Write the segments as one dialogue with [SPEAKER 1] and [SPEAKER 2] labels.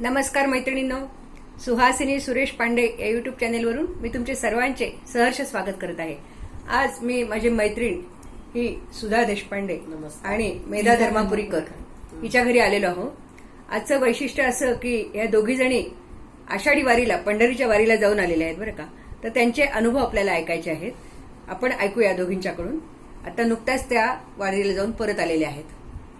[SPEAKER 1] नमस्कार मैत्रिणींनो, सुहासिनी सुरेश पांडे या यूट्यूब चॅनेलवरून मी तुमचे सर्वांचे सहर्ष स्वागत करत आहे। आज मी माझी मैत्रीण ही सुधा देशपांडे आणि मेधा धर्मापुरीकर हिच्या घरी आलेलो आहोत। आजचं वैशिष्ट्य असं की या दोघी जणी आषाढी वारीला, पंढरीच्या वारीला जाऊन आलेल्या आहेत बरं का। तर त्यांचे अनुभव आपल्याला ऐकायचे आहेत, आपण ऐकूया दोघींच्याकडून। आता नुकत्याच त्या वारीला जाऊन परत आलेल्या आहेत।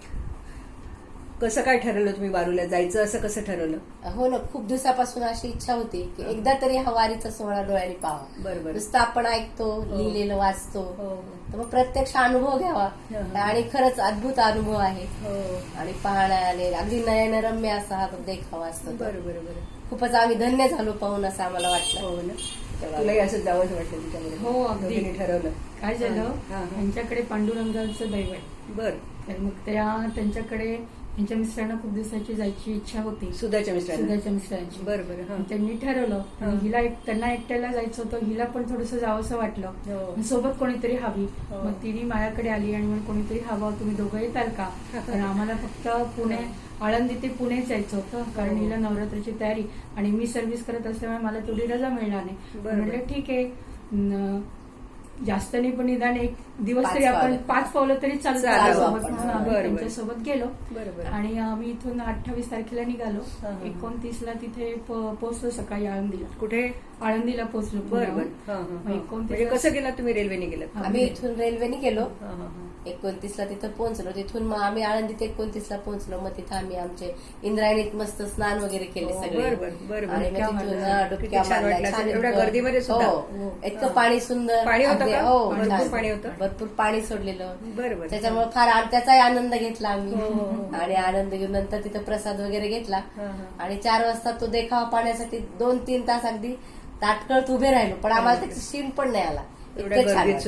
[SPEAKER 1] कसं काय ठरवलं तुम्ही वारीला जायचं, असं कसं ठरवलं?
[SPEAKER 2] हो ना, खूप दिवसापासून अशी इच्छा होती की एकदा तरी हा वारीचा सोहळा डोळ्याने पाहावा।
[SPEAKER 1] बरोबर,
[SPEAKER 2] नुसतं आपण ऐकतो, लिहिलेलं वाचतो, तर मग प्रत्यक्ष अनुभव घ्यावा। आणि खरंच अद्भुत अनुभव आहे आणि पाहण्याने अगदी नयनरम्य असा हा देखावा असतो।
[SPEAKER 1] बरोबर,
[SPEAKER 2] खूपच आम्ही धन्य झालो पाहून, असं आम्हाला वाटलं।
[SPEAKER 1] हो ना, तुलाही असं जावंच वाटलं तुझ्याकडे?
[SPEAKER 3] हो, अगदी
[SPEAKER 1] ठरवलं।
[SPEAKER 3] काय झालं, त्यांच्याकडे पांडुरंगाचं दैव आहे।
[SPEAKER 1] बर,
[SPEAKER 3] तर मग त्यांच्याकडे त्यांच्या मिस्टरांना खूप दिवसाची जायची इच्छा होती,
[SPEAKER 1] सुधाच्या
[SPEAKER 3] मिस्टरांची।
[SPEAKER 1] बरोबर,
[SPEAKER 3] त्यांनी ठरवलं, हिला त्यांना एकट्याला जायचं होतं, हिला पण थोडंसं जावंसं वाटलं, सोबत कोणीतरी हवी। मग तिने माझ्याकडे आली आणि मग कोणीतरी हवं, तुम्ही दोघं येताल का? कारण आम्हाला फक्त पुणे, आळंदी ते पुणेच जायचं होतं, कारण हिला नवरात्राची तयारी आणि मी सर्व्हिस करत असल्यामुळे मला तेवढी रजा मिळणार नाही। म्हटलं ठीक आहे, जास्त नाही पण निदान एक दिवस तरी आपण 5 पावलं तरी चालतो म्हणून आम्ही त्यांच्यासोबत गेलो। आणि आम्ही इथून 28 तारखेला निघालो, 29ला तिथे पोहोचलो सकाळी आळंदीला।
[SPEAKER 1] कुठे?
[SPEAKER 3] आळंदीला पोहोचलो।
[SPEAKER 1] म्हणजे कसं गेला तुम्ही? रेल्वेने गेलात?
[SPEAKER 2] आम्ही इथून रेल्वेने गेलो, 29ला तिथं पोहोचलो। तिथून मग आम्ही आळंदीत 29ला पोहोचलो। मग तिथं आम्ही आमचे इंद्रायणीत मस्त स्नान वगैरे केले सगळे। आणि मग तिथून डुबक्या मारल्या,
[SPEAKER 1] एवढ्या गर्दीमध्ये सुद्धा
[SPEAKER 2] इतकं पाणी सुंदर,
[SPEAKER 1] पाणी होतं,
[SPEAKER 2] पाणी होतं, भरपूर पाणी सोडलेलं।
[SPEAKER 1] बरोबर,
[SPEAKER 2] त्याच्यामुळे फार त्याचाही आनंद घेतला आम्ही। आणि आनंद घेऊन नंतर तिथं प्रसाद वगैरे घेतला आणि 4 वाजता तो देखावा पाहण्यासाठी 2-3 तास अगदी ताटकळत उभे राहिलो, पण आम्हाला त्याची शीण पण नाही आला। इतकं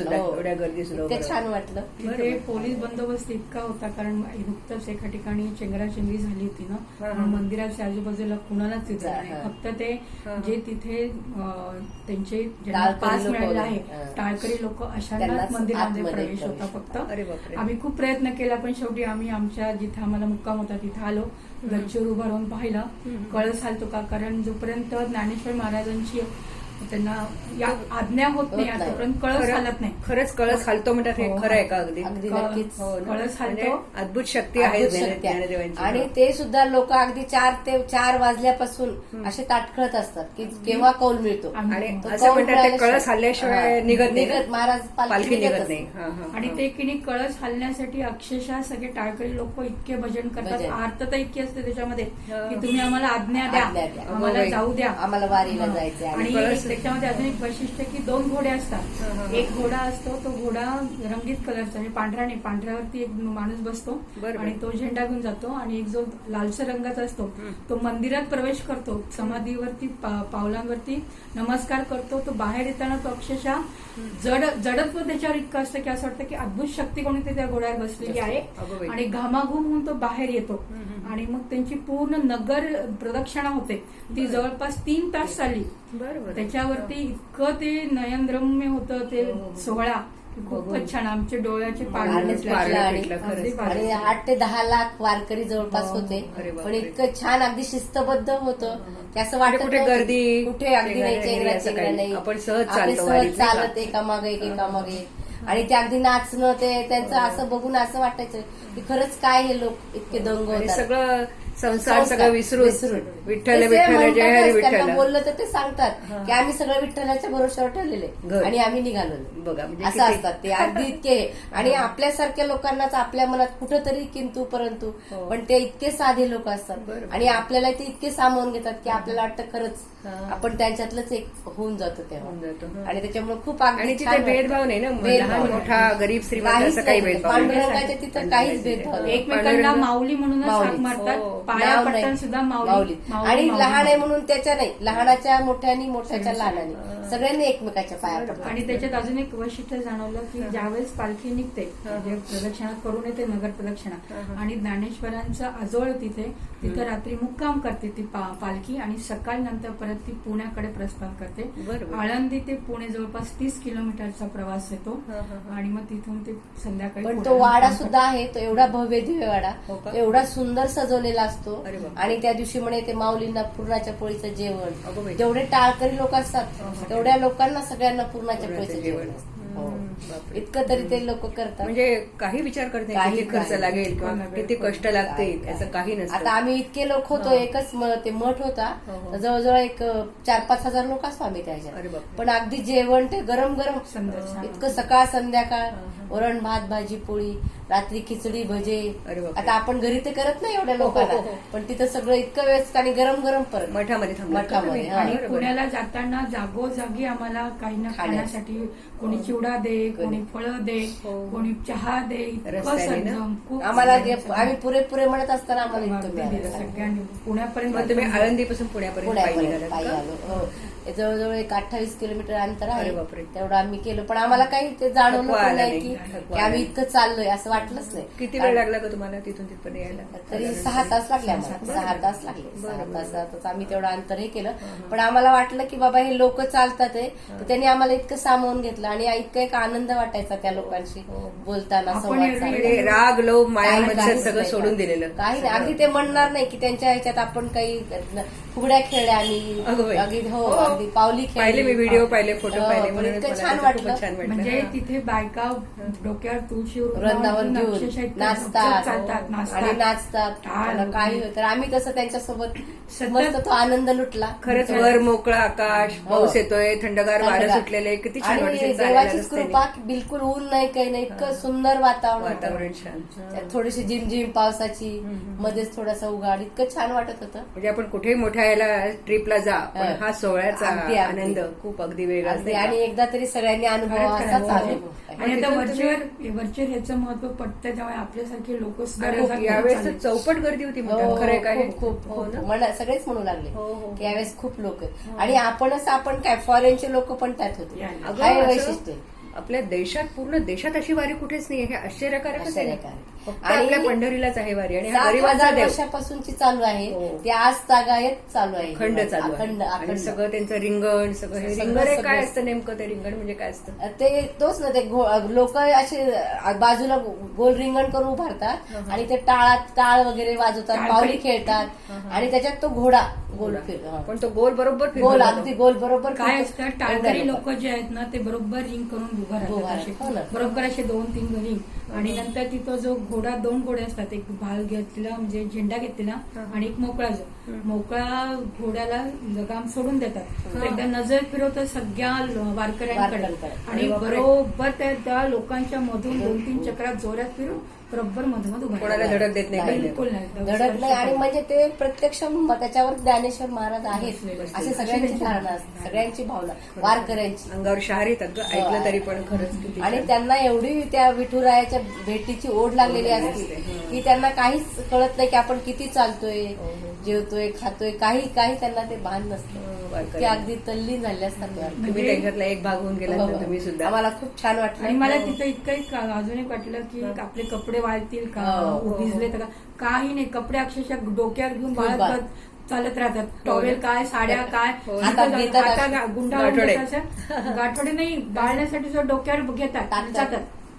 [SPEAKER 2] छान वाटलं।
[SPEAKER 3] तिथे पोलीस बंदोबस्त इतका होता, कारण नुकतंच एका ठिकाणी चेंगराचेंगरी झाली होती ना, म्हणून मंदिराच्या आजूबाजूला कुणालाच तिथे नाही, फक्त ते जे तिथे त्यांचे पास मिळाले आहे टाळकरी लोक अशांनाच मंदिरामध्ये प्रवेश होता फक्त। आम्ही खूप प्रयत्न केला, पण शेवटी आम्ही आमच्या जिथे आम्हाला मुक्काम होता तिथे आलो। गच्चीवर उभा राहून पाहिलं, कळस हालतो का, कारण जोपर्यंत ज्ञानेश्वर महाराजांची त्यांना या आज्ञा होत नाही तोपर्यंत कळस हालत नाही।
[SPEAKER 1] खरंच कळस हालतो म्हणतात, हे खरं आहे का? अगदी
[SPEAKER 2] नक्कीच
[SPEAKER 3] कळस हालतो,
[SPEAKER 1] अद्भुत शक्ती आहे ज्ञानदेवांची।
[SPEAKER 2] आणि ते सुद्धा लोक अगदी 4 ते 4 वाजल्यापासून असे ताटखळत असतात की केव्हा कौल मिळतो।
[SPEAKER 1] आणि असं म्हणतात ते कळस हल्ल्याशिवाय निघत
[SPEAKER 2] महाराज
[SPEAKER 1] पालखी निघत नाही।
[SPEAKER 3] आणि ते की कळस हलण्यासाठी अक्षरशः सगळे टाळकरी लोक इतके भजन करतात, आर्तता इतकी असते त्याच्यामध्ये की तुम्ही आम्हाला आज्ञा द्या, आम्हाला जाऊ द्या,
[SPEAKER 2] आम्हाला वारीला जायचं।
[SPEAKER 3] आणि त्याच्यामध्ये अजून एक वैशिष्ट्य की 2 घोडे असतात। एक घोडा असतो, तो घोडा रंगीत कलरचा, म्हणजे पांढरा नाही, पांढऱ्यावरती एक माणूस बसतो आणि तो झेंडा घेऊन जातो। आणि एक जो लालसर रंगाचा असतो तो मंदिरात प्रवेश करतो, समाधीवरती पावलांवरती नमस्कार करतो। तो बाहेर येताना तो अक्षरशः जडत्व त्याच्यावर इतकं असतं की असं वाटतं की अद्भुत शक्ती कोणीतरी त्या घोड्यावर बसलेली आहे। आणि घामाघूम होऊन तो बाहेर येतो आणि मग त्यांची पूर्ण नगर प्रदक्षिणा होते, ती जवळपास 3 तास चालली। त्याच्यावरती इतकं ते नयनरम्य होतं ते सोहळा, खूपच छान। आमचे डोळ्याचे पारणे
[SPEAKER 2] आणि 8 ते 10 लाख वारकरी जवळपास होते, पण इतकं छान अगदी शिस्तबद्ध होतं की असं वाटत
[SPEAKER 1] कुठे गर्दी,
[SPEAKER 2] कुठे अगदी नाही, चेंगरा नाही,
[SPEAKER 1] आपण सहज
[SPEAKER 2] चालत एकामागे एकामागे। आणि ते अगदी नाचणं, ते त्यांचं असं बघून असं वाटायचं की खरंच काय हे लोक इतके दंग होतात,
[SPEAKER 1] सगळं संसार सगळं विसरून विठ्ठल विठ्ठल जय हरी विठ्ठल
[SPEAKER 2] बोललं तर ते सांगतात की आम्ही सगळं विठ्ठलाच्या भरोश्यावर ठेवलेले आणि आम्ही निघालो
[SPEAKER 1] बघा।
[SPEAKER 2] असं असतात ते अगदी इतके। आणि आपल्यासारख्या लोकांनाच आपल्या मनात कुठंतरी किंतु परंतु, पण ते इतके साधे लोक असतात आणि आपल्याला ते इतके सामावून घेतात की आपल्याला वाटतं खरंच आपण त्यांच्यातलंच एक होऊन जातो तेव्हा। आणि त्याच्यामुळे खूप
[SPEAKER 1] आणि तिथे भेदभाव नाही ना, लहान मोठा गरीब श्रीमंत असं काही भेदभाव नाही।
[SPEAKER 2] पांडुरंगाच्या तिथं काहीच भेदभाव,
[SPEAKER 3] एकमेकांना माऊली म्हणूनच हाक मारतात, पाया पडतात सुद्धा माऊली।
[SPEAKER 2] आणि लहान आहे म्हणून त्याच्या नाही, लहानाच्या मोठ्यानी, मोठ्याच्या लहानानी सगळ्यांनी एकमेकाच्या पाया पडतात।
[SPEAKER 3] आणि त्याच्यात अजून एक वैशिष्ट्य जाणवलं की ज्यावेळेस पालखी निघते, म्हणजे प्रदक्षिणा करून येते, नगर प्रदक्षिणा, आणि ज्ञानेश्वरांचं आजोळ तिथं रात्री मुक्काम करते ती पालखी, आणि सकाळी नंतर परत ती पुण्याकडे प्रस्थान करते। आळंदी ते पुणे जवळपास 30 किलोमीटरचा प्रवास येतो आणि मग तिथून ते संध्याकाळी।
[SPEAKER 2] पण तो वाडा सुद्धा आहे, तो एवढा भव्य दिव्य वाडा, एवढा सुंदर सजवलेला असतो
[SPEAKER 1] अरे बापरे.
[SPEAKER 2] आणि त्या दिवशी म्हणे ते माऊलींना पुरणाच्या पोळीचं
[SPEAKER 1] अगं
[SPEAKER 2] जेवण,
[SPEAKER 1] बाई.
[SPEAKER 2] जेवढे टाळकरी लोक असतात तेवढ्या लोकांना सगळ्यांना पुरणाच्या
[SPEAKER 1] पुरणाचं
[SPEAKER 2] पोळीचं
[SPEAKER 1] जेवण.
[SPEAKER 2] जेवण असतं. हो.
[SPEAKER 1] बापरे.
[SPEAKER 2] इतकं तरी ते लोक करतात.
[SPEAKER 1] म्हणजे काही विचार करत नाही
[SPEAKER 2] काही
[SPEAKER 1] किती खर्च
[SPEAKER 2] नाही.
[SPEAKER 1] लागेल किंवा किती कष्ट लागतील
[SPEAKER 2] काय-
[SPEAKER 1] याचं काही
[SPEAKER 2] आता
[SPEAKER 1] नसतं.
[SPEAKER 2] आम्ही इतके लोक होतो, एकच ते मठ होता,
[SPEAKER 1] हो, हो.
[SPEAKER 2] तर जवळजवळ एक 4-5 हजार लोक असतो आम्ही त्याच्यात.
[SPEAKER 1] अरे बापरे.
[SPEAKER 2] पण अगदी जेवण ते गरम गरम
[SPEAKER 3] संध्याकाळ.
[SPEAKER 2] इतकं सकाळ संध्याकाळ, वरण भात भाजी पोळी, रात्री खिचडी भजे.
[SPEAKER 1] अरे बापरे.
[SPEAKER 2] आता आपण घरी ते करत नाही एवढ्या
[SPEAKER 1] हो, हो,
[SPEAKER 2] लोकांना,
[SPEAKER 1] हो.
[SPEAKER 2] पण तिथं सगळं इतकं व्यवस्थित आणि गरम गरम परत
[SPEAKER 1] मठामध्ये थांबला का
[SPEAKER 2] मठामध्ये,
[SPEAKER 1] तुम्ही?
[SPEAKER 2] हा.
[SPEAKER 3] आणि
[SPEAKER 1] बरोबर.
[SPEAKER 3] पुण्याला जाताना जागोजागी आम्हाला काही ना खाण्यासाठी कोणी चिवडा दे, कोणी फळं दे,
[SPEAKER 1] हो.
[SPEAKER 3] कोणी चहा दे, इतकं
[SPEAKER 1] रस्त्याने ना?
[SPEAKER 3] सज्जन, खूप
[SPEAKER 2] आम्हाला
[SPEAKER 3] सज्जन.
[SPEAKER 2] आम्ही पुरेपुरे म्हणत असताना आम्हाला इतकं
[SPEAKER 3] अगदी दिलं
[SPEAKER 2] मिळालं.
[SPEAKER 3] सगळ्यांनी पुण्यापर्यंत.
[SPEAKER 1] मग तुम्ही आळंदीपासून पुण्यापर्यंत पायी
[SPEAKER 2] पुण्यापर्यंत
[SPEAKER 1] निघालात
[SPEAKER 2] पायी
[SPEAKER 1] का?
[SPEAKER 2] आलो. हो. हे जवळजवळ एक 28 किलोमीटर अंतर
[SPEAKER 1] अरे
[SPEAKER 2] आहे.
[SPEAKER 1] बापरे.
[SPEAKER 2] तेवढं आम्ही केलं, पण आम्हाला काही ते जाणवलं
[SPEAKER 1] थकवा
[SPEAKER 2] पण
[SPEAKER 1] आला
[SPEAKER 2] नाही
[SPEAKER 1] नाही,
[SPEAKER 2] की
[SPEAKER 1] थकवा
[SPEAKER 2] की
[SPEAKER 1] आला
[SPEAKER 2] आम्ही
[SPEAKER 1] नाही.
[SPEAKER 2] इतकं चाललोय असं वाटलंच नाही.
[SPEAKER 1] किती वेळ लागला का तुम्हाला तिथून तिथपर्यंत यायला?
[SPEAKER 2] तरी
[SPEAKER 1] साधारण
[SPEAKER 2] 6 तास लागले आम्हाला.
[SPEAKER 1] बरं.
[SPEAKER 2] 6 तास लागले.
[SPEAKER 1] बरं,
[SPEAKER 2] 6
[SPEAKER 1] बरं.
[SPEAKER 2] तासातच आम्ही तेवढं अंतर हे केलं. पण आम्हाला वाटलं की बाबा हे लोक चालतात आहे, तर त्यांनी आम्हाला इतकं सामावून घेतलं आणि इतका एक आनंद वाटायचा त्या लोकांशी
[SPEAKER 1] हो.
[SPEAKER 2] बोलताना,
[SPEAKER 3] आपण
[SPEAKER 2] संवाद
[SPEAKER 3] एरवी-
[SPEAKER 2] साधताना.
[SPEAKER 1] म्हणजे राग लोभ माया
[SPEAKER 2] काही-
[SPEAKER 1] मत्सर
[SPEAKER 2] काहीच
[SPEAKER 1] सगळं
[SPEAKER 2] नाही,
[SPEAKER 1] सोडून दिलेलं.
[SPEAKER 2] काही नाही. अगदी ते म्हणणार नाही की त्यांच्या ह्याच्यात आपण काही फुगड्या खेळल्या
[SPEAKER 1] अगं बाई.
[SPEAKER 2] अगदी हो
[SPEAKER 1] हो.
[SPEAKER 2] अगदी पावली
[SPEAKER 1] पाहिले मी व्हिडिओ पाहिले, फोटो
[SPEAKER 2] हो,
[SPEAKER 1] पाहिले,
[SPEAKER 2] पण
[SPEAKER 1] म्हणूनच
[SPEAKER 2] इतकं
[SPEAKER 1] मला
[SPEAKER 2] छान
[SPEAKER 1] त्याचं
[SPEAKER 2] वाटलं.
[SPEAKER 1] खूपच छान वाटलं.
[SPEAKER 3] म्हणजे
[SPEAKER 1] हा.
[SPEAKER 3] तिथे बायका डोक्यावर तुळशी
[SPEAKER 2] वृंदावन घेऊन
[SPEAKER 3] अक्षरशः इतकं
[SPEAKER 2] नाचतात
[SPEAKER 3] चालतात
[SPEAKER 2] आणि
[SPEAKER 3] नाचतात.
[SPEAKER 2] नाचतात.
[SPEAKER 3] टाळ
[SPEAKER 2] मला काही होतं. तर आम्ही तसं त्यांच्यासोबत
[SPEAKER 3] सतत-
[SPEAKER 2] मस्त तो आनंद लुटला.
[SPEAKER 1] खरंच वर मोकळं आकाश,
[SPEAKER 2] हो.
[SPEAKER 1] पाऊस येतोय, थंडगार वारं
[SPEAKER 2] थंडगार.
[SPEAKER 1] सुटलेले, किती छान
[SPEAKER 2] आणि
[SPEAKER 1] वाटतं चालायला
[SPEAKER 2] देवाचीच
[SPEAKER 1] रस्त्याने.
[SPEAKER 2] कृपा की बिलकुल ऊन नाही काही नाही, इतकं सुंदर वातावरण होतं.
[SPEAKER 1] वातावरण छान.
[SPEAKER 2] त्यात थोडीशी झिमझिम पावसाची, मध्येच थोडासा उघाड, इतकं छान वाटत होतं.
[SPEAKER 1] म्हणजे आपण कुठेही मोठ्या याला ट्रिपला जा, पण
[SPEAKER 2] हा.
[SPEAKER 1] हा सोहळ्याचा
[SPEAKER 2] अगदी, अगदी.
[SPEAKER 1] आनंद खूप अगदी वेगळाच
[SPEAKER 2] अगदी.
[SPEAKER 1] नाही
[SPEAKER 2] आणि
[SPEAKER 1] का?
[SPEAKER 2] एकदा तरी सगळ्यांनी अनुभव असाच अनुभव.
[SPEAKER 3] आणि आता
[SPEAKER 1] तिथून
[SPEAKER 3] वरचेवर ह्याचं महत्व पटतं, त्यामुळे आपल्यासारखे लोक सुद्धा
[SPEAKER 1] अरे,
[SPEAKER 3] रजात
[SPEAKER 1] यावेळेस तर
[SPEAKER 3] चालले.
[SPEAKER 1] चौपट गर्दी होती
[SPEAKER 2] हो,
[SPEAKER 1] म्हणतात. खरंय काय हे?
[SPEAKER 2] खूप
[SPEAKER 1] हो ना?
[SPEAKER 2] मला सगळेच म्हणू लागले
[SPEAKER 1] हो, हो.
[SPEAKER 2] की यावेळेस खूप लोक आहेत. आणि आपण काय फॉरेनचे लोक पण त्यात होते.
[SPEAKER 3] यायला.
[SPEAKER 1] अगं,
[SPEAKER 2] हा हे
[SPEAKER 1] असं
[SPEAKER 2] वैशिष्ट्य.
[SPEAKER 1] आपल्या देशात, पूर्ण देशात अशी वारी कुठेच नाही. हे आश्चर्यकारकच आहे.
[SPEAKER 2] आश्चर्यकारक.
[SPEAKER 1] फक्त
[SPEAKER 2] आणि
[SPEAKER 1] आपल्या पंढरीलाच आहे वारी, आणि हा
[SPEAKER 2] 7,000
[SPEAKER 1] गरीबाचा देव
[SPEAKER 2] वर्षापासूनची चालू आहे
[SPEAKER 1] हो.
[SPEAKER 2] ती आज तागायत चालू आहे.
[SPEAKER 1] खंड चालू आहे.
[SPEAKER 2] अखंड
[SPEAKER 1] आणि
[SPEAKER 2] अखंड.
[SPEAKER 1] सगळं त्यांचं रिंगण, सगळं हे
[SPEAKER 2] सगळं-
[SPEAKER 1] रिंगण हे काय
[SPEAKER 2] सगळं.
[SPEAKER 1] असतं नेमकं? ते रिंगण म्हणजे काय असतं?
[SPEAKER 2] ते तोच ना, ते लोक असे बाजूला गोल रिंगण करून उभारतात आणि ते टाळ वगैरे वाजवतात,
[SPEAKER 3] टाळ
[SPEAKER 2] पावली
[SPEAKER 3] करी.
[SPEAKER 2] खेळतात आणि त्याच्यात तो घोडा गोल फिर
[SPEAKER 1] पण तो गोल बरोबर फिरतो
[SPEAKER 2] गोल
[SPEAKER 1] बघा.
[SPEAKER 2] अगदी गोल बरोबर
[SPEAKER 3] काय
[SPEAKER 2] फिरतो.
[SPEAKER 3] असतं, टाळकरी
[SPEAKER 2] एवढ्या
[SPEAKER 3] लोक जे आहेत ना ते बरोबर रिंग करून उभं
[SPEAKER 2] उभं
[SPEAKER 3] राहतात
[SPEAKER 2] राहतात. हो ना.
[SPEAKER 3] असे. बरोबर असे 2-3 रिंग. आणि नंतर तिथं जो घोडा, 2 घोडे असतात, एक भाल घेतलेला म्हणजे झेंडा घेतलेला आणि एक मोकळा मोकळा घोड्याला लगाम सोडून देतात. तर एकदा नजर फिरवतं सगळ्या वारकऱ्यांकडे
[SPEAKER 2] वारकऱ्यांकडे.
[SPEAKER 3] आणि
[SPEAKER 1] अरे बापरे.
[SPEAKER 3] बरोबर त्या लोकांच्या मधून 2-3 चक्रात जोरात फिरून बरोबर मधोमध उभा
[SPEAKER 1] कोणाला
[SPEAKER 3] राहतात.
[SPEAKER 1] धडक देत नाही काही
[SPEAKER 3] बिलकुल नाही.
[SPEAKER 2] धडक नाही. आणि म्हणजे ते प्रत्यक्ष त्याच्यावर ज्ञानेश्वर महाराज आहेत अशी सगळ्यांची धारणा असते, सगळ्यांची भावना वारकऱ्यांची.
[SPEAKER 1] अंगावर शहार येतात ग, ऐकलं तरी पण खरंच किती
[SPEAKER 2] आणि
[SPEAKER 1] छान.
[SPEAKER 2] त्यांना एवढी त्या विठुरायाच्या भेटीची ओढ लागलेली असते की त्यांना काहीच कळत नाही की आपण किती चालतोय, जेवतोय, खातोय, काही त्यांना ते भान नसतं.
[SPEAKER 1] वारकरी.
[SPEAKER 2] ते अगदी तल्लीन झाले असतात ते वारकरी.
[SPEAKER 1] तुम्ही त्यांच्यातला एक भाग होऊन गेला ना तुम्ही सुद्धा.
[SPEAKER 2] आम्हाला खूप छान वाटलं.
[SPEAKER 3] आणि मला तिथं इतकं अजून एक वाटलं की आपले कपडे वाळतील का,
[SPEAKER 2] हो.
[SPEAKER 3] भिजले तर का, काही नाही. कपडे अक्षरशः डोक्यावर घेऊन
[SPEAKER 2] खूप
[SPEAKER 3] बाळगत चालत राहतात. टॉवेल काय, साड्या काय,
[SPEAKER 1] हो.
[SPEAKER 2] हातात घेतात.
[SPEAKER 3] आता गुंडा
[SPEAKER 1] गाठोडे.
[SPEAKER 3] गाठोडे नाही, बाळण्यासाठी जो डोक्यावर घेतात आणि जातात.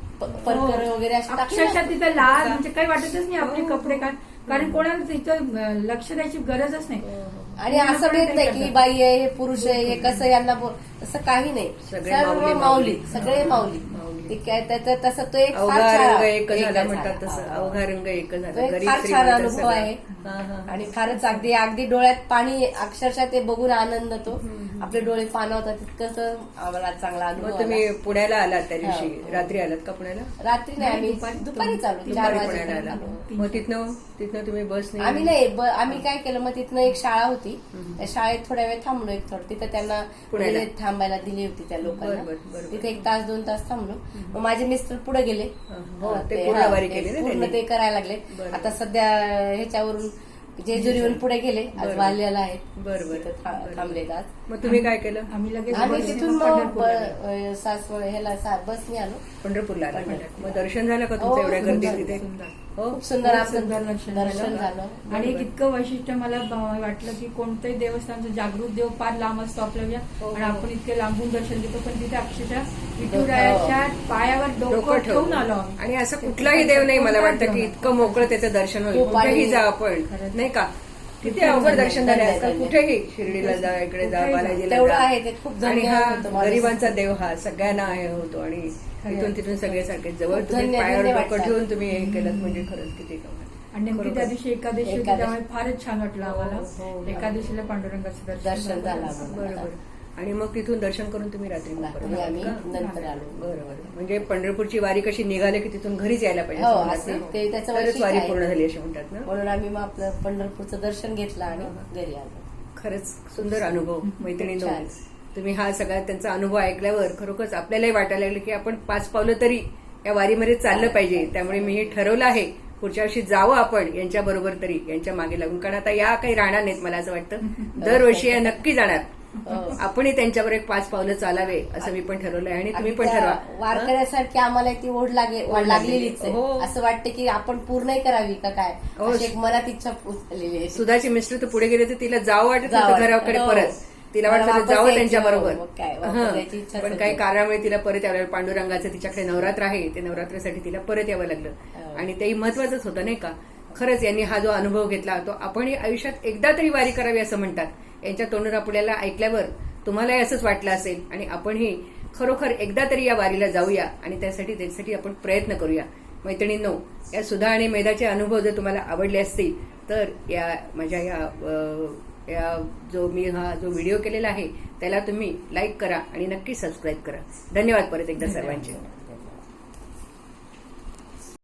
[SPEAKER 2] परकर वगैरे असे टाकले
[SPEAKER 3] अक्षरशः
[SPEAKER 2] असतात.
[SPEAKER 3] तिथं लाल म्हणजे काही वाटतच नाही आपले कपडे काय, कारण कोणाला तिथं लक्ष द्यायची गरजच नाही.
[SPEAKER 2] आणि असं भेट नाही की बाई आहे, हे पुरुष आहे, हे कसं यांना तसं काही नाही.
[SPEAKER 1] सगळे
[SPEAKER 2] सर्व
[SPEAKER 1] माऊली,
[SPEAKER 2] माऊली, सगळे
[SPEAKER 1] माऊली.
[SPEAKER 2] माऊली. ते काय तसं तो एक फार
[SPEAKER 1] अवघा
[SPEAKER 2] छान-
[SPEAKER 1] रंग एक झाला
[SPEAKER 2] झाला.
[SPEAKER 1] म्हणतात तसं.
[SPEAKER 2] हा.
[SPEAKER 1] अवघा रंग एक
[SPEAKER 2] तो
[SPEAKER 1] झाला.
[SPEAKER 2] एक
[SPEAKER 1] गरीब
[SPEAKER 2] फार छान
[SPEAKER 1] श्रीमंत
[SPEAKER 2] अनुभव
[SPEAKER 1] सगळं.
[SPEAKER 2] आहे.
[SPEAKER 1] हा, हा.
[SPEAKER 2] आणि फारच अगदी डोळ्यात पाणी, अक्षरशः ते बघून आनंद होतो. आपले डोळे पाणवतात, तितकंच आम्हाला चांगला अनुभव
[SPEAKER 1] मग
[SPEAKER 2] आला.
[SPEAKER 1] तुम्ही पुण्याला आलात त्या दिवशी,
[SPEAKER 2] हो.
[SPEAKER 1] रात्री आलात का पुण्याला?
[SPEAKER 2] रात्री नाही, आम्ही
[SPEAKER 3] दुपारी-
[SPEAKER 2] दुपारी चालू 4
[SPEAKER 1] दुपारी
[SPEAKER 2] वाजेपर्यंत
[SPEAKER 1] पुण्याला आला.
[SPEAKER 2] आलो.
[SPEAKER 1] मग तिथनं तुम्ही बसने
[SPEAKER 2] आम्ही नाही आम्ही काय केलं, मग तिथनं एक शाळा होती, त्या शाळेत थोड्या वेळ थांबलो. एक थोडं तिथं त्यांना
[SPEAKER 1] पुण्याला?
[SPEAKER 2] म्हणजे थांबायला दिली होती त्या लोकांना.
[SPEAKER 1] बरोबर.
[SPEAKER 2] तिथे 1 तास 2 तास थांबलो. मग माझे मिस्टर पुढे गेले.
[SPEAKER 1] हो, ते
[SPEAKER 2] ते-
[SPEAKER 1] पूर्ण
[SPEAKER 2] हा,
[SPEAKER 1] वारी
[SPEAKER 2] ते
[SPEAKER 1] केली ना
[SPEAKER 2] पूर्ण
[SPEAKER 1] त्यांनी?
[SPEAKER 2] ते करायला लागले.
[SPEAKER 1] बरोबर.
[SPEAKER 2] आता सध्या ह्याच्यावरून जेजुरीवरून पुढे गेले. आज
[SPEAKER 1] बरोबर.
[SPEAKER 2] वाल्याला आहेत.
[SPEAKER 1] बरोबर.
[SPEAKER 2] तिथं थांबलेत आज.
[SPEAKER 1] मग तुम्ही काय केलं?
[SPEAKER 3] आम्ही लगेच
[SPEAKER 2] आम्ही
[SPEAKER 3] बसने
[SPEAKER 2] तिथून मग
[SPEAKER 3] पंढरपूरला गेलो.
[SPEAKER 2] सासवड ह्याला बसने आलो.
[SPEAKER 1] पंढरपूरला आला.
[SPEAKER 2] पंढरपूर.
[SPEAKER 1] मग दर्शन झालं का
[SPEAKER 2] हो,
[SPEAKER 1] तुमचं एवढ्या गर्दीत
[SPEAKER 2] सुंदर,
[SPEAKER 1] तिथे?
[SPEAKER 3] सुंदर.
[SPEAKER 1] हो
[SPEAKER 2] खूप सुंदर
[SPEAKER 3] खूप
[SPEAKER 2] आमचं
[SPEAKER 3] सुंदर
[SPEAKER 2] दर्शन झालं.
[SPEAKER 3] आणि एक इतकं वैशिष्ट्य मला वाटलं की कोणतंही देवस्थानचं जागृत देव फार लांब असतो आपल्या आणि आपण इतके लांबून दर्शन घेतो, पण तिथे अक्षरशः विठुरायाच्या पायावर डोकं ठेवून आलो आम्ही.
[SPEAKER 1] आणि असं कुठलाही देव नाही मला वाटतं की इतकं मोकळं त्याचं दर्शन होईल.
[SPEAKER 2] खूप
[SPEAKER 1] कुठेही
[SPEAKER 2] आणि-
[SPEAKER 1] जा आपण, नाही का, किती अवघड दर्शन झाले आजकाल. कुठेही शिर्डीला जा, इकडे जा, बालाजीला
[SPEAKER 2] तेवढं
[SPEAKER 1] जा.
[SPEAKER 2] आहे ते खूप
[SPEAKER 1] आणि
[SPEAKER 2] धन्य
[SPEAKER 1] हा
[SPEAKER 2] होतं माणूस.
[SPEAKER 1] गरिबांचा देव हा सगळ्यांना आहे होतो आणि इथून तिथून सगळे सारखे जवळ
[SPEAKER 2] खूप
[SPEAKER 1] तुम्ही
[SPEAKER 2] धन्य-
[SPEAKER 1] पायावर
[SPEAKER 2] धन्य
[SPEAKER 1] डोकं
[SPEAKER 2] वाटतं.
[SPEAKER 1] ठेवून तुम्ही हे केलं म्हणजे खरंच किती कमाल.
[SPEAKER 3] आणि नेमकी त्या दिवशी एकादशी होती,
[SPEAKER 2] एकादशी.
[SPEAKER 3] त्यामुळे फारच छान वाटलं
[SPEAKER 1] हो, हो,
[SPEAKER 3] आम्हाला.
[SPEAKER 1] हो.
[SPEAKER 3] एकादशीला पांडुरंगाचं
[SPEAKER 2] दर्शन झालं आम्हाला.
[SPEAKER 1] बरोबर. आणि मग तिथून दर्शन करून तुम्ही रात्री मग परत
[SPEAKER 2] रात्री
[SPEAKER 1] आलात
[SPEAKER 2] आम्ही
[SPEAKER 1] का?
[SPEAKER 2] नंतर आलो.
[SPEAKER 1] बरोबर. म्हणजे पंढरपूरची वारी कशी निघाली की तिथून घरीच यायला पाहिजे
[SPEAKER 2] हो,
[SPEAKER 1] असं म्हणतात
[SPEAKER 2] असे
[SPEAKER 1] ना?
[SPEAKER 2] ते त्याचं
[SPEAKER 1] तरच
[SPEAKER 2] वैशिष्ट्य
[SPEAKER 1] वारी
[SPEAKER 2] आहे.
[SPEAKER 1] पूर्ण झाली असे म्हणतात ना.
[SPEAKER 2] म्हणून आम्ही मग आपलं पंढरपूरचं दर्शन घेतलं आणि घरी आलो.
[SPEAKER 1] खरंच सुंदर अनुभव मैत्रिणींनो.
[SPEAKER 2] छान.
[SPEAKER 1] तुम्ही हा सगळा त्यांचा अनुभव ऐकल्यावर खरोखरच आपल्यालाही वाटायला लागलं की आपण 5 पावलं तरी या वारीमध्ये चाललं पाहिजे. त्यामुळे मी हे ठरवलं आहे पुढच्या वर्षी जावं आपण यांच्या बरोबर तरी, यांच्या मागे लागून. कारण आता या काही राहणार नाहीत मला असं वाटतं. दरवर्षी या नक्की जाणार.
[SPEAKER 2] हो.
[SPEAKER 1] आपणही त्यांच्यावर एक 5 पावलं चालावे असं मी पण ठरवलंय आणि तुम्ही पण
[SPEAKER 2] त्या
[SPEAKER 1] ठरवा.
[SPEAKER 2] वारकऱ्यासारखी आम्हाला ती ओढ लागलेलीच आहे.
[SPEAKER 1] हो.
[SPEAKER 2] असं वाटतं की आपण पूर्णही करावी का काय,
[SPEAKER 1] हो.
[SPEAKER 2] अशी एक मनात इच्छा झालेली आहे.
[SPEAKER 1] सुधाची मिस्टर तर पुढे गेले तर तिला जावं वाटत
[SPEAKER 2] जावं
[SPEAKER 1] नव्हतं
[SPEAKER 2] वाटतं.
[SPEAKER 1] घराकडे
[SPEAKER 2] हो.
[SPEAKER 1] परत. तिला
[SPEAKER 2] मला
[SPEAKER 1] वाटतं
[SPEAKER 2] वापस
[SPEAKER 1] जावं
[SPEAKER 2] यायचं.
[SPEAKER 1] त्यांच्या बरोबर.
[SPEAKER 2] मग काय, वापस यायची इच्छाच
[SPEAKER 1] पण
[SPEAKER 2] होती.
[SPEAKER 1] काही कारणामुळे तिला परत यावं लागलं. पांडुरंगाचं तिच्याकडे नवरात्र आहे, ते नवरात्रासाठी तिला परत यावं लागलं.
[SPEAKER 2] हो.
[SPEAKER 1] आणि तेही महत्वाचंच होतं नाही का. खरंच यांनी हा जो अनुभव घेतला तो आपणही आयुष्यात एकदा तरी वारी करावी असं म्हणतात. यांच्या तोंडून आपल्याला ऐकल्यावर तुम्हालाही असंच वाटलं असेल आणि आपणही खरोखर एकदा तरी या वारीला जाऊया आणि त्यासाठी आपण प्रयत्न करूया. मैत्रिणींनो, या सुधा आणि मेधाचे अनुभव जर तुम्हाला आवडले असतील तर या माझ्या या जो व्हिडिओ केलेला आहे त्याला तुम्ही लाईक करा आणि नक्की सबस्क्राईब करा. धन्यवाद परत एकदा सर्वांचे.